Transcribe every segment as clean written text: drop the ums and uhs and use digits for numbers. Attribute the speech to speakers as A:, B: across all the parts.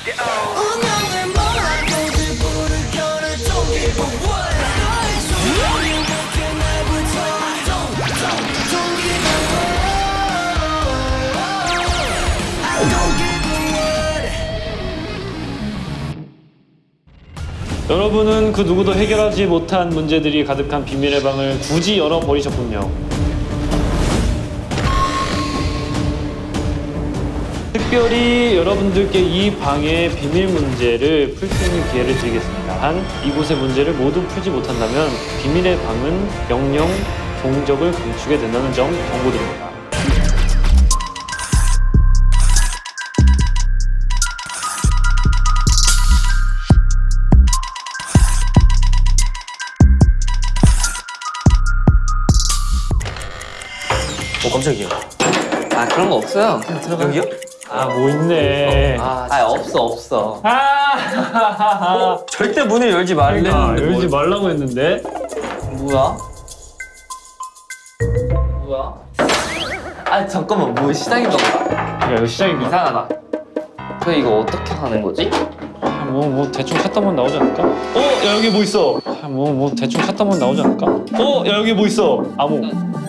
A: 여러분은 그 누구도 해결하지 못한 문제들이 가득한 비밀의 방을 굳이 열어버리셨군요. 특별히 여러분들께 이 방의 비밀 문제를 풀 수 있는 기회를 드리겠습니다. 단 이곳의 문제를 모두 풀지 못한다면 비밀의 방은 영영 종적을 감추게 된다는 점 경고드립니다.
B: 깜짝이야.
C: 아 그런 거 없어요. 그냥 들어가.
B: 여기요?
A: 아, 뭐 있네.
C: 없어.
B: 절대 문을 열지 말래.
A: 그러니까 열지 말라고 했는데.
C: 뭐야? 아 잠깐만 뭐 시작인가 보다.
A: 야, 이거 시장인가?
C: 이상하다. 저 이거 어떻게 하는 거지?
A: 뭐 대충 찾다 보면 나오지 않을까? 야, 여기 뭐 있어? 뭐 대충 찾다 보면 나오지 않을까? 야, 여기 뭐 있어? 암호.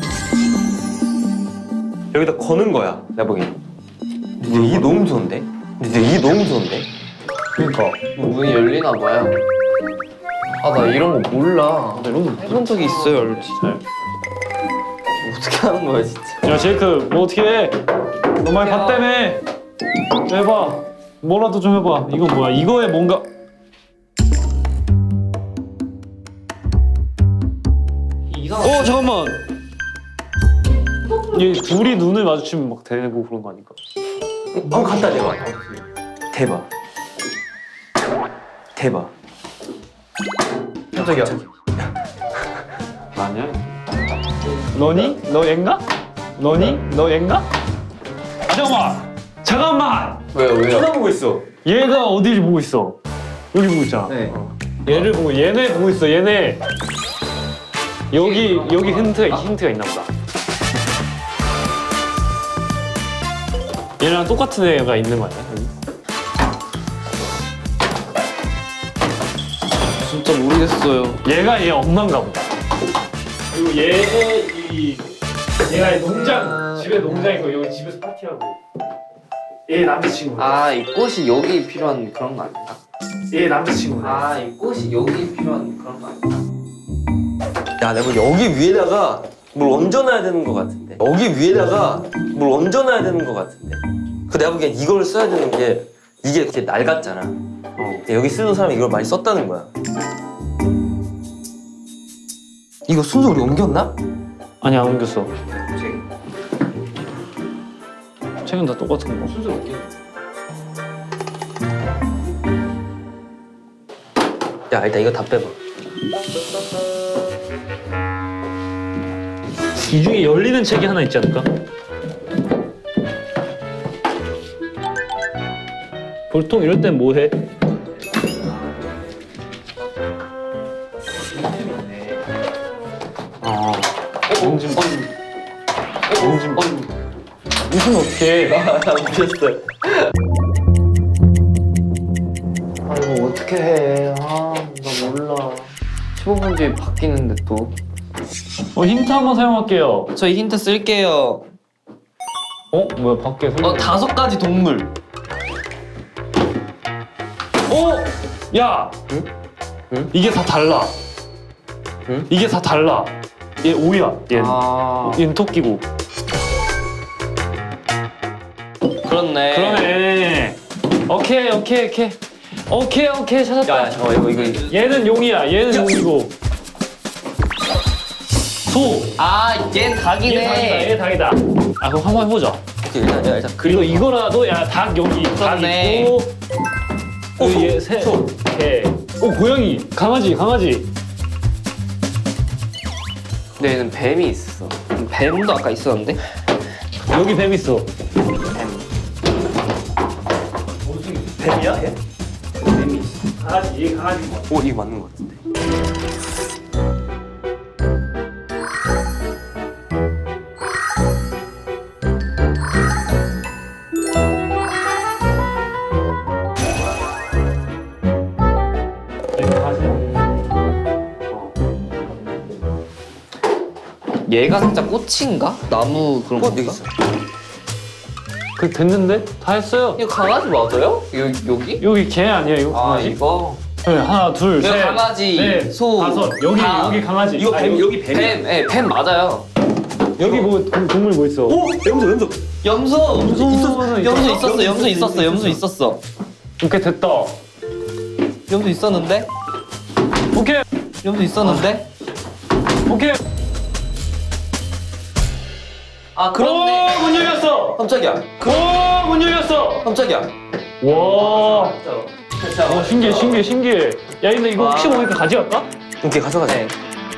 B: 여기다 거는 거야. 내가 보기엔. 근데 이게 너무 무서운데?
A: 그러니까.
C: 문이 열리나 봐요. 아 나 이런 거 몰라.
A: 이런 거
C: 해본 적이 있어요, 열지. 어떻게 하는 거야 진짜?
A: 야, 제이크, 뭐 어떻게 해? 너 많이 봤다며. 해봐. 뭐라도 좀 해봐. 이건 뭐야? 이거에 뭔가. 잠깐만. 이 둘이 눈을 마주치면 막 되고 그런 거 아닐까?
B: 한번 갖다 대봐. 대박. 깜짝이야.
A: 아니야. 너니? 너 얜가? 너니? 너 얜가? 잠깐만!
C: 왜요?
B: 쳐다보고 있어.
A: 얘가 어디를 보고 있어? 여기 보고 있잖아.
C: 네.
A: 얘를 보고 얘네 보고 있어. 얘네. 여기 힌트가 있나 보다. 얘랑 똑같은 애가 있는 거 아니야? 여기?
C: 진짜 모르겠어요.
A: 얘가 얘 엄마인가 보다. 그리고 얘가 농장 집에 농장 있고 여기 집에서 파티하고. 얘 남자친구.
C: 이 꽃이 여기 필요한 그런 거 아닌가?
A: 얘 남자친구.
C: 이 꽃이 여기 필요한 그런 거 아닌가?
B: 야, 내가 여기 위에다가 뭘 얹어놔야 되는 것 같은데. 내가 보기엔 이걸 써야 되는 게 이게 이렇게 낡았잖아. 여기 쓰는 사람이 이걸 많이 썼다는 거야. 이거 순서 우리 옮겼나?
A: 아니, 안 옮겼어. 책은 다 똑같은 거.
C: 순서 어떻게?
B: 야, 일단 이거 다 빼봐.
A: 이 중에 열리는 책이 하나 있지 않을까? 보통 이럴 땐 뭐 해? 옮좀 무슨 어떻게?
C: 나 웃겼어. 이거 어떻게 해? 나 몰라. 15분 뒤에 바뀌는데 또.
A: 힌트 한번 사용할게요.
C: 저희 힌트 쓸게요.
A: 뭐야 밖에 소리.
C: 5가지 동물.
A: 야.
B: 응?
A: 이게 다 달라.
B: 응?
A: 이게 다 달라. 얘 오야. 얘는 토끼고.
C: 그렇네.
A: 그러네. 오케이 찾았다.
B: 야, 잠깐만, 이거.
A: 얘는 용이야. 얘는 용이고. 소.
C: 얘는 닭이네.
A: 얘 닭이다. 그럼 한번 해보자.
B: 오케이, 일단.
A: 그리고 이거라도 닭 여기 닭
C: 그렇네.
A: 있고. 그리고 얘 새. 개. 고양이. 강아지.
C: 근데 얘는 뱀이 있어. 뱀도 아까 있었는데?
A: 여기 뱀 있어.
B: 뱀이야, 얘?
A: 뱀이 있어. 강아지.
B: 이거 맞는 것 같은데.
C: 얘가 살짝 꽃인가? 나무 그런
B: 꽃
C: 건가?
B: 여기 있어.
A: 그 됐는데? 다 했어요.
C: 이거 강아지 맞아요? 여기?
A: 여기 개 아니에요, 이거
C: 아
A: 강아지?
C: 이거
A: 네, 하나, 둘,
C: 이거
A: 셋,
C: 강아지,
A: 넷,
C: 소,
A: 다섯. 여기
C: 닭.
A: 여기 강아지.
B: 이거
A: 아,
B: 뱀 여기 뱀이야.
C: 뱀, 예, 뱀 맞아요.
A: 여기 뭐 동물 뭐 있어?
B: 오 염소 염소.
C: 염소!
A: 염소는
C: 염소 있었어.
A: 오케이 됐다.
C: 염소 있었는데?
A: 오케이
C: 염소 있었는데?
A: 오케이.
C: 아 그렇네.
A: 오, 문 열렸어.
C: 깜짝이야.
A: 오, 문 열렸어.
C: 깜짝이야.
A: 와. 와 신기해. 야 근데 이거 혹시 모르니까 가져갈까?
B: 오케이 가져가자.
C: 네.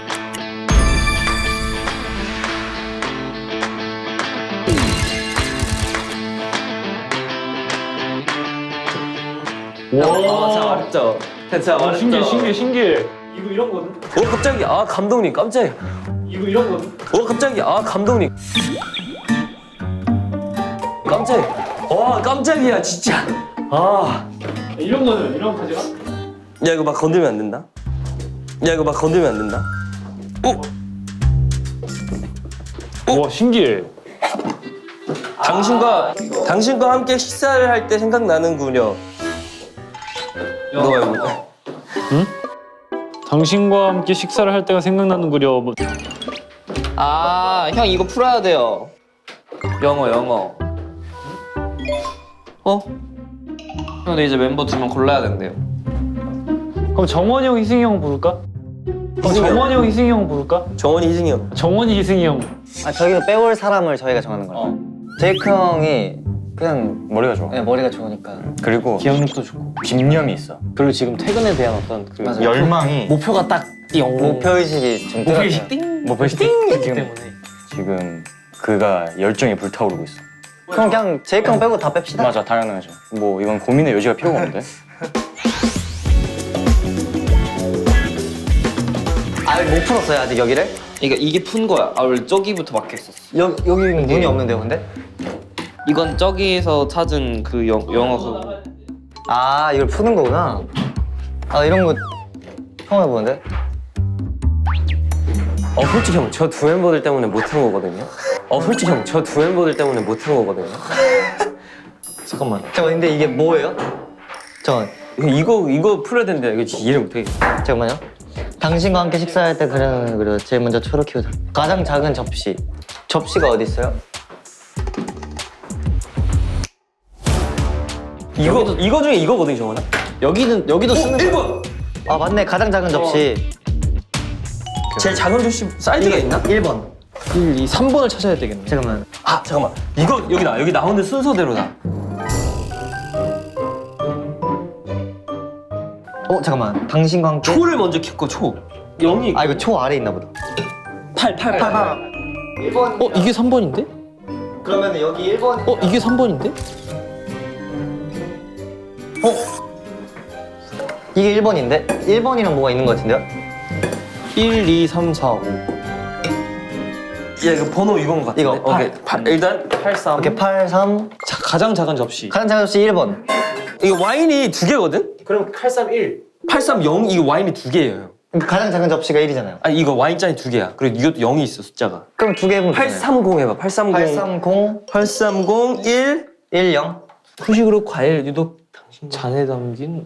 A: 와.
C: 알았죠. 진짜
A: 와 신기해. 이거 이런 거는?
B: 오 갑자기 아 감독님 깜짝이야.
A: 이거 이런 거는?
B: 오 갑자기 아 감독님. 깜짝이야. 와 깜짝이야 진짜. 아.
A: 이런 거는 이런 거 가져가?
B: 야 이거 막 건들면 안 된다. 야 이거 막 건들면 안 된다. 오.
A: 와 신기해.
B: 당신과 함께 식사를 할 때 생각나는군요. 너가 해볼래?
A: 당신과 함께 식사를 할 때가 생각나는구려. 뭐.
C: 아, 형 이거 풀어야 돼요. 영어. 어? 형, 근데 이제 멤버 2명 골라야 된대요.
A: 그럼 정원이 형, 희승이 형 부를까?
B: 희승이 형.
A: 정원이 형, 희승이 형 부를까?
B: 정원이 희승이 형.
A: 정원이, 희승이 형.
D: 아 저기서 빼올 사람을 저희가 정하는 거예요. 제이크 형이 그냥
E: 머리가 좋아.
D: 네, 머리가 좋으니까.
E: 그리고
A: 기억력도 좋고.
E: 집념이 있어.
A: 그리고 지금 퇴근에 대한 어떤 그
D: 맞아요.
E: 열망이
A: 목표가 딱 띵.
D: 목표의식이 좀
A: 목표의식
D: 띵.
A: 띵.
E: 목표의식
A: 있기
E: 지금
A: 때문에.
E: 지금 그가 열정이 불타오르고 있어.
D: 그냥 제이크 형 빼고 다 뺍시다.
E: 맞아, 당연하죠. 뭐 이건 고민의 여지가 필요가 없는데.
D: 아직 못 풀었어요 아직 여기를?
C: 이게 푼 거야. 아, 원래 저기부터 막혔었어.
D: 여기는 문이 없는데요 근데?
C: 이건 저기에서 찾은 그 영어 그.
D: 아 이걸 푸는 거구나. 아 이런 거 처음 해보는데?
B: 솔직히 형, 저 두 멤버들 때문에 못한 거거든요. 솔직히 형, 저 두 멤버들 때문에 못한 거거든요. 잠깐만.
D: 근데 이게 뭐예요?
B: 이거 풀어야 되는데 이거 진짜 이해를 못하겠어.
D: 잠깐만요. 당신과 함께 식사할 때 그래 제일 먼저 초록 키우자. 가장 작은 접시. 접시가 어디 있어요?
B: 이거 중에 이거거든, 정원아.
D: 여기도 쓰는 거.
B: 1번.
D: 아 맞네 가장 작은 접시.
B: 제일 작은 접시 사이즈가 있나?
D: 1번.
A: 1, 2, 3번을 찾아야 되겠네.
D: 잠깐만.
B: 아, 잠깐만. 이거 여기 나오는 순서대로다.
D: 잠깐만. 당신과 함께.
B: 초를 먼저 켰고 초. 0이
D: 아 이거 초 아래 있나 보다.
B: 8.
D: 1번.
A: 이게 3번인데?
D: 그러면 여기 1번.
A: 이게 3번인데?
D: 이게 1번인데? 1번이랑 뭐가 있는 것 같은데요?
A: 1, 2, 3, 4, 5.
B: 야, 이거 번호 이건 것 같은데.
D: 이거,
B: 오케이. 일단 83.
D: 이렇게 8, 3.
A: 가장 작은 접시.
D: 가장 작은 접시 1번.
B: 이거 와인이 두 개거든?
A: 그럼 831.
B: 830 이거 와인이 두 개예요.
D: 가장 작은 접시가 1이잖아요.
B: 아니 이거 와인잔이 두 개야. 그리고 이것도 0이 있어 숫자가.
D: 그럼 두 개 해보면
B: 830 해봐. 830.
D: 830
B: 830 1.
D: 10.
A: 후식으로 과일 유독 잔에 담긴.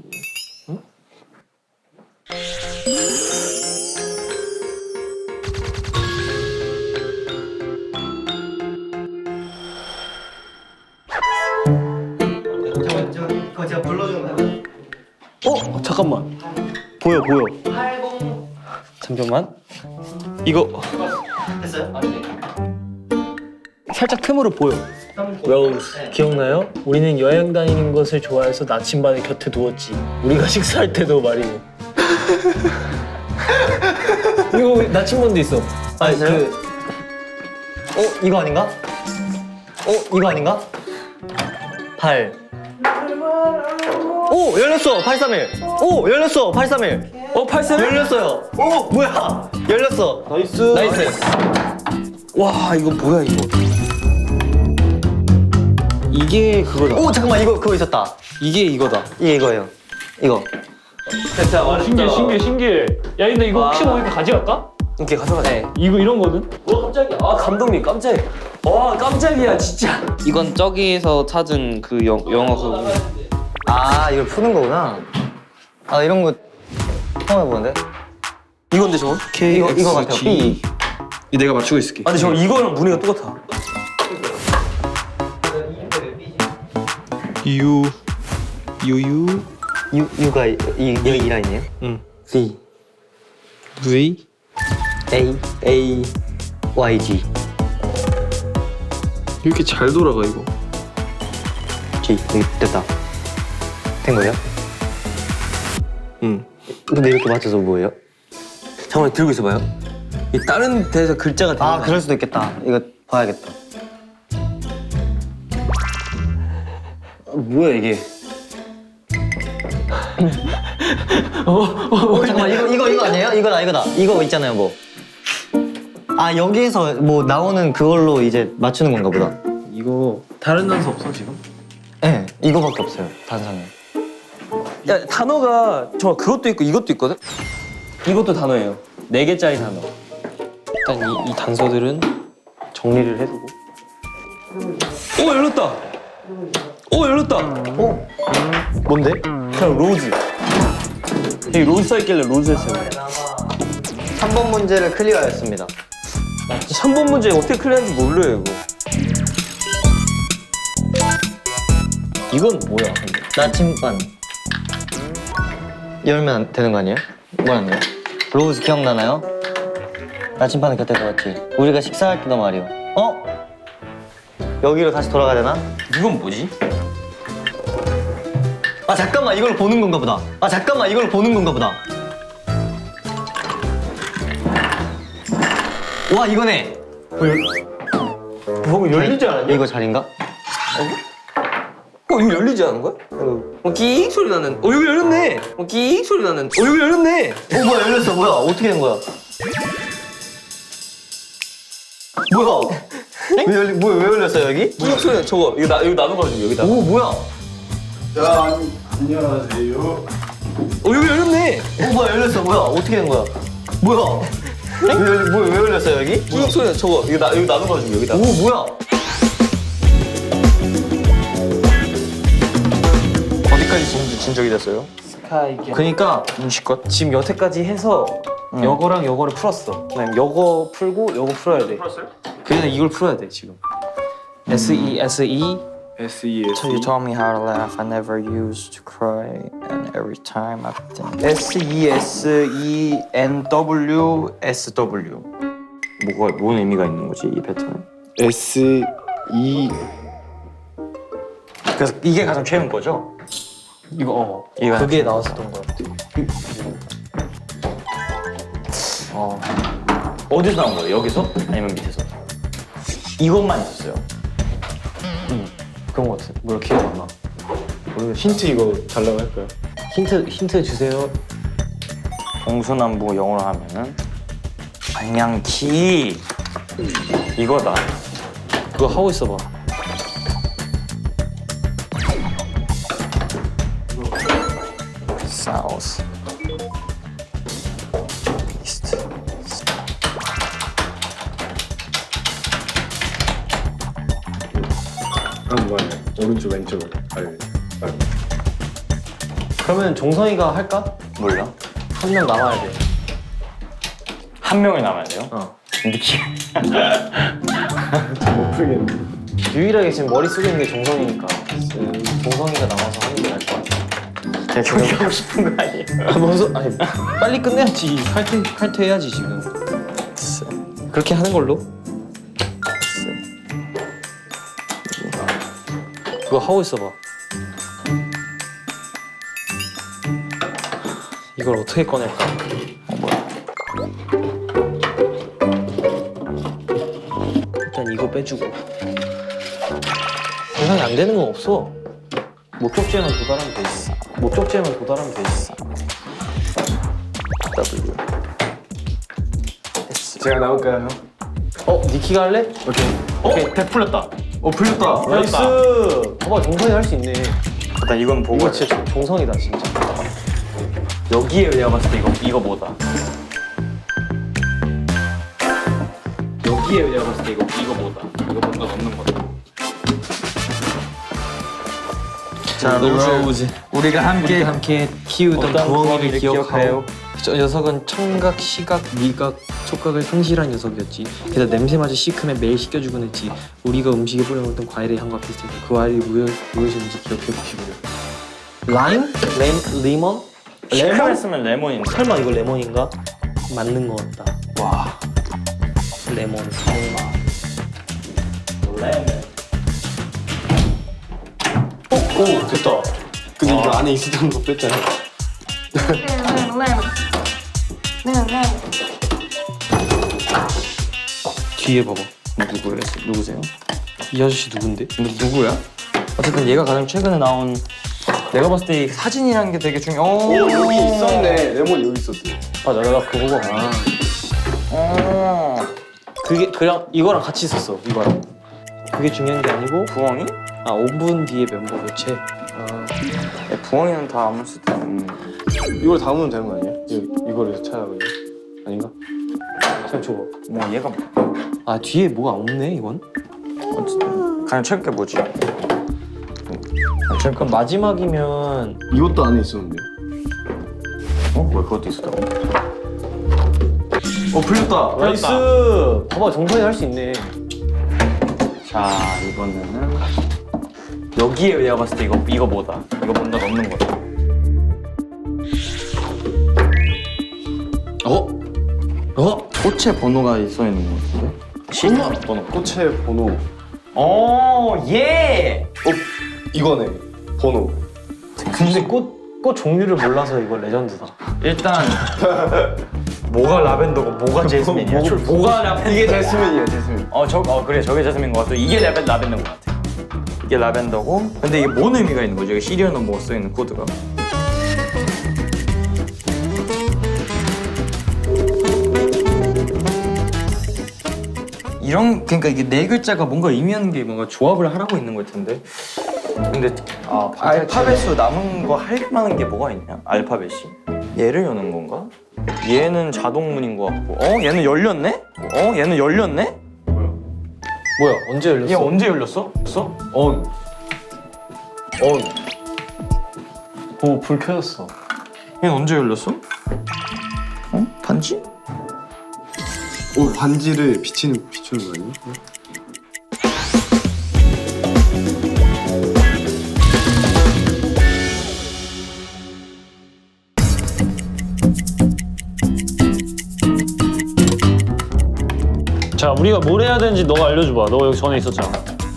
D: 그거 제가 불러주는 거예요.
A: 잠깐만. 보여.
D: 80
A: 잠깐만. 이거
D: 됐어요?
A: 살짝 틈으로 보여. 로즈 기억나요? 우리는 여행 다니는 것을 좋아해서 나침반을 곁에 두었지. 우리가 식사할 때도 말이고. 이거 나침반도 있어. 아니
D: 있어요? 이거 아닌가? 이거 아닌가? 8 오! 열렸어! 831 오! 열렸어! 831
B: 831?
D: 열렸어요! 오! 뭐야! 열렸어! 나이스!
B: 와, 이거 뭐야 이거.
A: 이게 그거다.
D: 오! 잠깐만 이거 그거 있었다.
A: 이게 이거다.
D: 이게 이거예요. 이거.
B: 됐다.
A: 신기해. 야 근데 이거 혹시 모르니까 가져갈까?
B: 이렇게 가져가자.
C: 네.
A: 이거 이런 거는?
B: 와 깜짝이야. 아 감독님 깜짝이야. 와 깜짝이야 진짜.
C: 이건 저기에서 찾은 그 영어 그
D: 아 이걸 푸는 거구나. 아 이런 거 처음 해보는데?
B: 이건데 저거?
D: 이거 같아요. B.
C: 이 내가 맞추고 있을게.
B: 아 근데 저거 이거랑 무늬가 똑같아.
D: U가 이 라인이에요?
B: 응.
D: V
C: V
D: A Y G
C: 이렇게 잘 돌아가 이거.
D: G 여기 됐다. 된 거예요?
B: 응.
D: 근데 이렇게 맞춰서 뭐예요?
B: 잠깐만 들고 있어봐요. 이 다른 데서 글자가 되는
D: 아
B: 거
D: 그럴 수도 있겠다. 이거 봐야겠다.
B: 뭐야 이게?
D: 잠깐만 이거 아니에요? 이거다. 이거 있잖아요 뭐. 아 여기에서 뭐 나오는 그걸로 이제 맞추는 건가 보다.
C: 이거 다른 단서 없어 지금?
D: 네 이거밖에 없어요 단상에.
B: 야 단어가 저 그것도 있고 이것도 있거든. 이것도 단어예요. 4개짜리 단어.
C: 일단 이 단서들은 정리를 해두고.
B: 오 열렸다. 오 열렸다.
D: 뭔데?
B: 그냥 로즈. 여기 로즈 써있길래 로즈 했어요.
D: 3번 문제를 클리어했습니다.
B: 3번 문제 어떻게 클리어하는지 몰라요 이거.
C: 이건 뭐야 근데?
D: 나침반 열면 되는 거 아니에요? 뭐라는 거야? 로즈 기억나나요? 나침반은 곁에 두었지. 우리가 식사할 때도 말이요. 여기로 다시 돌아가야 되나?
B: 이건 뭐지?
D: 아 잠깐만 이걸 보는 건가 보다. 와 이거네.
B: 뭐 열리지 않았냐?
D: 이거 자리인가?
B: 이거 열리지 않은 거야? 끼익 소리 나는. 이거 열렸네. 끼익 소리 나는. 이거 열렸네.
D: 뭐야 열렸어. 뭐야 어떻게 된 거야? 뭐야? 왜 열렸어 여기?
B: 끼익 소리 나. 저거 이거 이거 나도 가지고 여기다.
D: 오 뭐야?
F: 자, 안녕하세요.
B: 이거 열렸네.
D: 뭐야 열렸어. 뭐야 어떻게 된 거야? 뭐야? 왜 열렸어 여기?
B: 끼익 소리 나. 저거 이거 나도 가지고 여기다.
D: 오 뭐야?
B: 어디까지 진적이 됐어요?
C: 그러니까
B: 음식껏 지금 여태까지 해서 여거랑 여거를 풀었어. 그다음 여거 풀고 여거 풀어야 돼. 풀었어요?
C: 그냥 이걸 풀어야 돼 지금. SE
F: SES.
G: You told me how to laugh. I never used to cry, and every time I think.
E: SESENWSW. 뭔 의미가 있는 거지 이 패턴은?
F: SE.
E: 그래서 이게 가장 최근 거죠?
C: 이거
E: 이거
C: 그게 나왔었던 거 같아.
E: 어디서 나온 거예요? 여기서? 아니면 밑에서? 이것만 있었어요.
C: 그런 거 같아. 뭐야 기억 안 나.
F: 힌트 이거 달라고 할까요?
C: 힌트 주세요.
E: 동서남북 영어로 하면은 방향키 이거다.
C: 그거 하고 있어봐.
G: South. East.
F: 한번 오른쪽 왼쪽으로.
C: 그러면 종성이가 할까?
E: 몰라?
C: 한 명 남아야 돼.
E: 한 명이 남아야 돼요? 느낌.
F: 못 풀겠네.
C: 유일하게 지금 머릿속에 있는 게 종성이니까 종성이가 남아서 하는 게 나을 것 같아.
E: 그냥 경기하고 싶은 거 아니에요?
C: 먼저 아니 빨리 끝내야지. 칼퇴해야지 지금. 그렇게 하는 걸로. 그거 하고 있어봐. 이걸 어떻게 꺼낼까? 일단 이거 빼주고. 세상에 안 되는 건 없어. 목적지에만 도달하면 되지. 목적지에만 도달하면 되지.
F: 제가 나올까요?
C: 니키가 할래?
F: 오케이. 100 풀렸다. 풀렸다.
C: 나이스! 봐봐, 종성이 할 수 있네.
E: 일단 이건 보고
C: 이거 진짜 종성이다, 진짜.
E: 여기에 내가 봤을 때 이거 뭐다. 여기에 내가 봤을 때 이거보다 이거 뭔가 넣는 거다.
C: 자, 로즈. 우리가 함께 키우던 부엉이를 기억하여. 저 녀석은 청각, 시각, 미각, 촉각을 상실한 녀석이었지. 게다가 냄새마저 시큼해 매일 씻겨주곤 했지. 우리가 음식에 뿌려먹던 과일의 향과 비슷했다. 그 과일이 무엇인지 기억해 보시고요. 라임? 리몬?
E: 시큼했으면 레몬인데.
C: 설마 이거 레몬인가? 맞는 것 같다. 와. 레몬 설마.
F: 오 됐다. 근데 이거 안에 있었던 거 뺐잖아.
C: 뒤에 봐봐. 누구세요? 이 아저씨 누군데?
G: 누구야? 어쨌든 얘가 가장 최근에 나온 내가 봤을 때 이 사진이라는 게 되게 중요.
F: 오 여기 있었네. 레몬 여기 있었어.
C: 맞아, 내가 그거 보고. 그게 그냥 이거랑 같이 있었어. 이거랑. 그게 중요한 게 아니고
G: 부엉이?
C: 5분 뒤에 멤버 교체.
G: 부엉이는 다 아무 수도 없는.
F: 이걸 담으면 되는 거 아니야? 이거를 찾아보니 아닌가?
C: 그냥 줘봐.
G: 뭐 얘가
C: 아 뒤에 뭐가 없네 이건.
G: 어쨌든 가장 최근 게 뭐지?
C: 그럼 마지막이면
F: 이것도 안에 있었는데.
G: 왜 그것도 있었다고?
F: 풀렸다.
C: 나이스. 봐봐 정선이 할 수 있네.
G: 자 이번에는 여기에 내가 봤을 때 이거보다 이거 뭔가 넣는 거다. 꽃의 번호가 써 있는 거 같은데?
F: 신호 번호. 꽃의 번호.
G: 예!
F: 이거네. 번호.
C: 근데 꽃 종류를 몰라서 이거 레전드다.
G: 일단 뭐가 라벤더고 뭐가 제스민이야? 뭐가 라벤더?
F: 이게 제스민이야 제스민.
G: 그래 저게 제스민인 것 같아. 이게 라벤더인 것 같아. 이게 라벤더고 근데 이게 뭔 의미가 있는 거지? 이게 시리얼 넘버가 써 있는 코드가. 그러니까 이게 네 글자가 뭔가 의미하는 게 뭔가 조합을 하라고 있는 걸 텐데. 근데 알파벳으로 남은 거 할 만한 게 뭐가 있냐? 알파벳이 얘를 여는 건가? 얘는 자동문인 것 같고 얘는 열렸네? 얘는 열렸네?
C: 뭐야 언제 열렸어?
G: 얘 언제 열렸어?
F: 온.
C: 오 불 켜졌어.
G: 얘는 언제 열렸어? 반지?
F: 오 반지를 비추는 거 아니야?
A: 자, 우리가 뭘 해야 되는지 너가 알려줘봐. 너 여기 전에 있었잖아.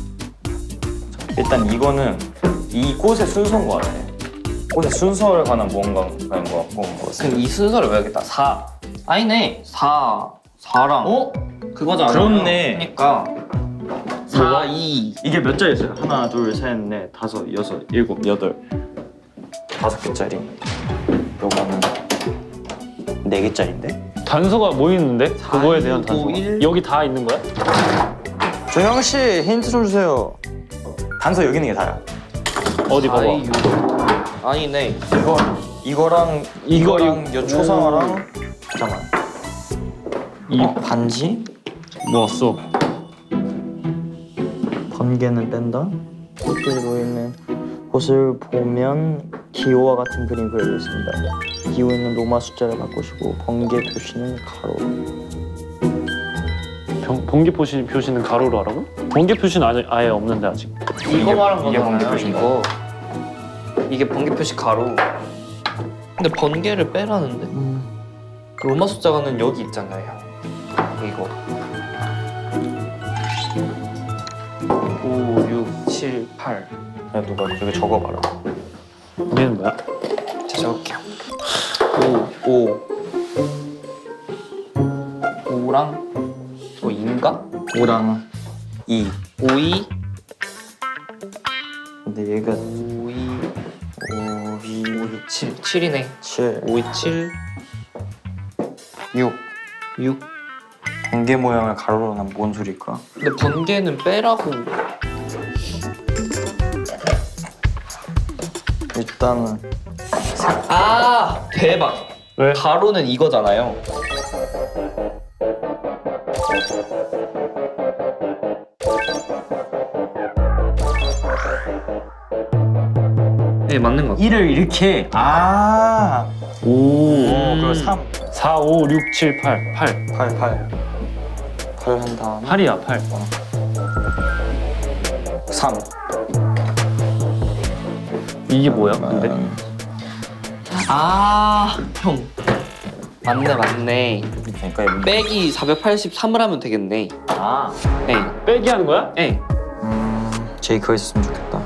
G: 일단 이거는 이 꽃의 순서인 것 같아. 꽃의 순서에 관한 무언가인 것 같고.
B: 그럼 이 순서를 외우겠다. 4. 아니네. 4랑.
G: 그거잖아. 그렇네.
B: 그러니까 4, 2.
G: 이게 몇 자리였어요? 하나, 둘, 셋, 넷, 다섯, 여섯, 일곱, 여덟. 5개짜리. 요거는 4개짜리인데?
A: 단서가 뭐 있는데? 그거에 대한
B: 5,
A: 단서.
B: 1.
A: 여기 다 있는 거야?
G: 조형 씨 힌트 좀 주세요. 단서 여기 있는 게 다야.
A: 어디 봐봐.
B: 아니네.
G: 이거랑 요 초상화랑 잠깐만.
A: 이
G: 반지?
A: 넣었어.
G: 번개는 뺀다. 꽃들이 보이는 곳을 보면 기호와 같은 그림이 그려져 있습니다. 기호에는 로마 숫자를 바꾸시고 번개 표시는 가로.
A: 번개 표시는 가로로 하라고? 번개 표시는 아예 없는데 아직.
B: 이거 말한
G: 이게
B: 거잖아요.
G: 번개 표시인가?
B: 이거. 이게 번개 표시 가로. 근데 번개를 빼라는데? 로마 숫자가는 여기 있잖아요. 이거. 5, 6, 7, 8.
G: 야 누가 여기 적어봐라.
A: 얘는 뭐야?
B: 자, 적을게요. 5. 5랑 또 2인가?
G: 5랑 2.
B: 5, 2.
G: 근데 얘가
B: 5, 2.
G: 5, 2,
B: 7. 7이네.
G: 7,
B: 5, 2, 7.
G: 6.
B: 6.
G: 번개 모양을 가로로 하면 뭔 소리일까?
B: 근데 번개는 빼라고.
G: 일단은
B: 아, 대박.
A: 왜?
B: 가로는 이거잖아요.
C: 네, 맞는 것 같아요.
G: 1을 이렇게 그럼 3
A: 4, 5, 6, 7, 8. 8.
G: 8 한 다음에
A: 8이야, 8.
G: 3
A: 이게 뭐야, 근데?
C: 형. 맞네.
G: 그러니까 이거
C: 빼기 483을 하면 되겠네. 네.
A: 빼기 하는 거야?
C: 네.
G: 제이 그거 있었으면 좋겠다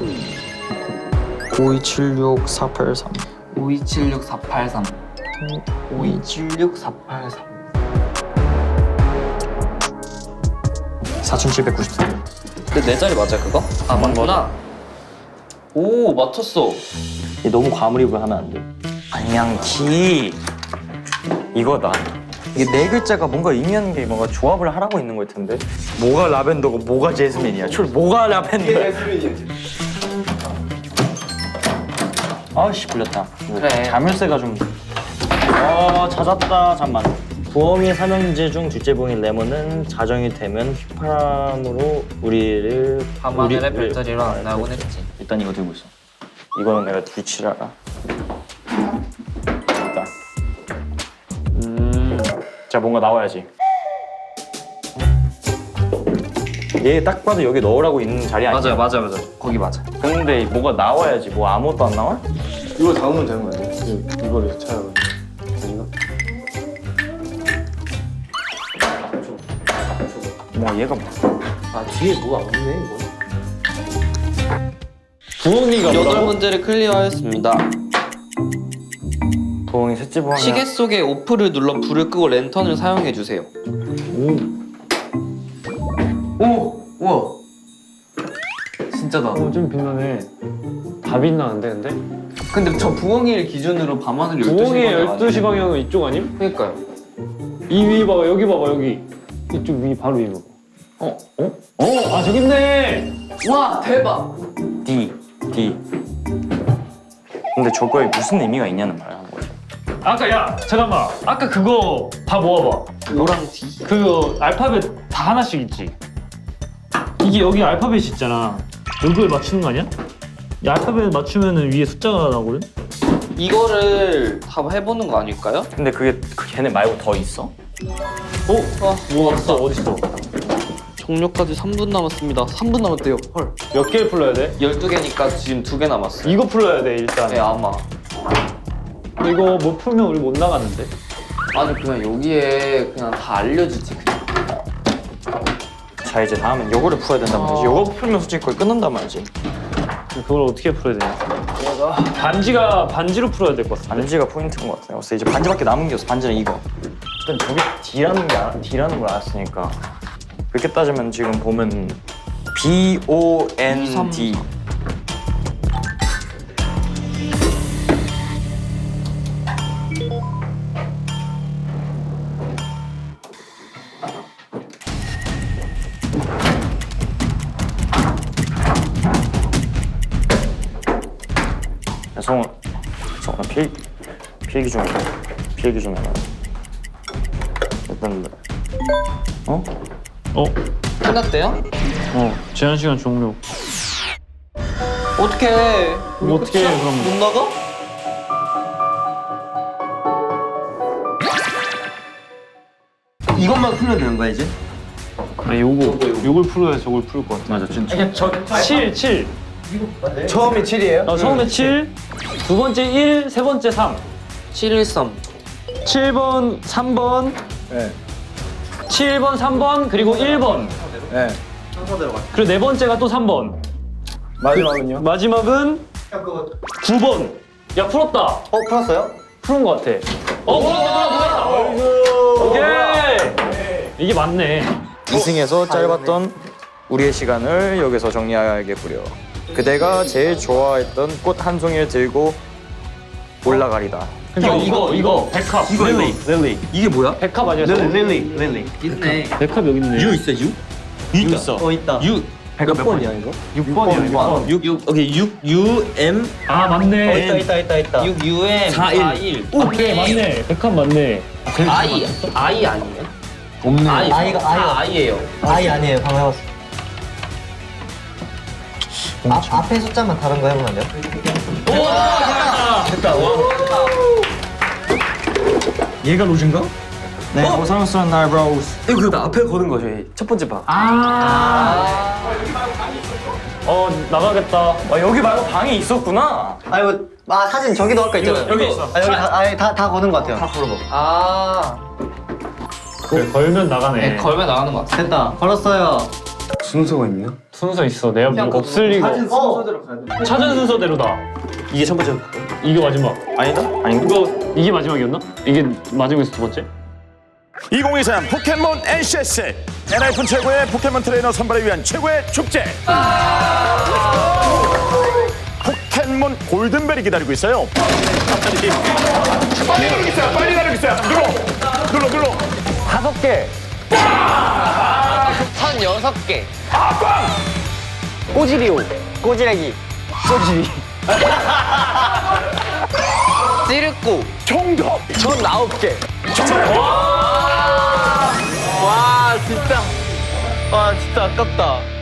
G: 5276 483
C: 5276 483.
G: 5276 483 4793
C: 근데 내 자리 맞아 그거? 아 맞구나. 오 맞췄어.
G: 너무 과몰입을 하면 안 돼. 방향키 이거다. 이게 네 글자가 뭔가 의미하는 게 뭔가 조합을 하라고 있는 걸 텐데. 뭐가 라벤더고 뭐가 제스민이야? 뭐가 라벤더야? 아씨 불렸다.
C: 그래.
G: 자물쇠가 좀. 찾았다. 잠만. 부엉이 삼형제 중 둘째 부엉이 레몬은 자정이 되면 휘파람으로 우리를
C: 밤하늘의 별자리로 안 나오곤 했지.
G: 일단 이거 들고 있어. 이거는 내가 뒤치라라. 일단. 자 뭔가 나와야지. 얘 딱 봐도 여기 넣으라고 있는 자리 아니야?
C: 맞아. 거기 맞아.
G: 근데 뭐가 나와야지. 뭐 아무것도 안 나와?
F: 이거 담으면 되는 거 아니에요? 이거를 찾아가지고. 아닌가?
G: 뭐 얘가 뭐.
B: 아 뒤에 뭐가 없네 이거.
A: 부엉이가
C: 여덟
A: 뭐라고?
C: 문제를 클리어하였습니다.
G: 부엉이 셋째 부엉이.
C: 시계 속에 오프를 눌러 불을 끄고 랜턴을 사용해 주세요. 오, 우와. 진짜다.
A: 좀 빛나네. 다 빛나는데, 근데?
C: 근데 저 부엉이를 기준으로 밤하늘 12시
A: 부엉이의
C: 방향
A: 12시 방향은 이쪽 아님?
C: 그러니까요.
A: 이 위 봐봐, 여기 봐봐, 여기. 이쪽 위, 바로 위 봐봐. 아, 저기 있네!
C: 와 대박.
G: D. 근데 저거에 무슨 의미가 있냐는 말을 하는 거지.
A: 아까, 야, 잠깐만. 아까 그거 다 모아봐.
C: O랑 D.
A: 그 알파벳 다 하나씩 있지? 이게 여기 알파벳이 있잖아. 이걸 맞추는 거 아니야? 이 알파벳 맞추면 위에 숫자가 나오거든?
C: 이거를 다 해보는 거 아닐까요?
G: 근데 그게 걔네 말고 더 있어?
A: 뭐 왔어? 어딨어?
C: 종료까지 3분 남았습니다. 3분 남았대요. 헐.
A: 몇 개를 풀러야 돼?
C: 12개니까 지금 2개 남았어요.
A: 이거 풀러야 돼, 일단.
C: 네 아마.
A: 이거 못 풀면 우리 못 나갔는데?
C: 아니 그냥 여기에 그냥 다 알려주지 그냥.
G: 자 이제 다음은 요거를 풀어야 된단 말이지. 요거 풀면 솔직히 거의 끝난단 말이지.
A: 그걸 어떻게 풀어야 되냐? 반지로 풀어야 될 것 같아.
G: 반지가 포인트인 것 같아. 그래서 이제 반지밖에 남은 게 없어. 반지는 이거. 일단 저게 D라는 걸 알았으니까. 그렇게 따지면 지금 보면 BOND. 야, 성훈아 필기 좀 해봐. 일단
C: 끝났대요?
A: 제한 시간 종료.
C: 어떻게 해?
A: 이거 어떻게 해, 그럼?
C: 못 나가?
D: 이것만 풀면 되는 거야 이제?
A: 아니, 요걸 풀어야 저걸 풀 것 같아.
G: 맞아 진짜.
A: 7.
F: 처음이 7이에요?
A: 처음에 7, 두 번째 1, 세 번째 3.
C: 713.
A: 7번, 3번,
F: 네.
A: 7번, 3번, 그리고 1번.
F: 네.
A: 그리고 네 번째가 또 3번.
F: 마지막은요?
A: 마지막은 9번. 야, 풀었다.
D: 풀었어요?
A: 푸른 것 같아. 풀었다. 오케이. 이게 맞네.
G: 2승에서 짧았던 우리의 시간을 여기서 정리하겠구려. 그대가 제일 좋아했던 꽃 한 송이를 들고 올라가리다.
A: 이거 백합.
G: 릴리.
C: 이게 뭐야?
A: 백합 아니야?
D: 릴리.
C: 있네.
A: 백합 여기 있네.
C: 있어 유?
G: 있어.
D: 있다.
G: 몇 번이야 이거?
A: 6번이야.
C: 6 오케이 6UM
A: 아, 맞네.
D: 있다.
C: 6UM 41.
A: 오케이, 맞네. 백합 맞네.
C: I 아니에요?
F: 없네.
C: 아이가 I예요.
D: 아이 아니에요. 방금 해봤어. 앞에 숫자만 다른 거 해보면 안 돼요?
C: 얘가 로즈인가?
D: 네.
G: 고상스러운 날 브로우스.
B: 이거 그거 앞에 거는 거죠. 이 첫 번째 방.
A: 나가겠다.
G: 아 여기 말고 방이 있었구나.
D: 사진 저기도 아까 있잖아요.
A: 여기 있어.
D: 여기 다 거는 것 같아요. 다 걸어봐.
A: 그래, 걸면 나가네.
C: 걸면 나가는 거 같아.
D: 됐다. 걸었어요.
F: 순서가 있나?
A: 순서 있어. 내가 뭐 없을 리가. 찾은 순서대로다.
B: 이게 첫 번째.
A: 이게 마지막.
E: 아니다? 아닌가?
A: 이거 이게 마지막이었나? 이게 마지막에서 두 번째?
H: 2023 포켓몬 NCS NIF 최고의 포켓몬 트레이너 선발을 위한 최고의 축제 포켓몬 골든벨이 기다리고 있어요. 빨리 가르고 있어요. 빨리 가르고 있어요. 눌러
B: 5개. 36개. 꼬지리오.
D: 꼬지래기.
B: 찌르꼬.
H: 정답.
B: 9개. 와 진짜 아깝다.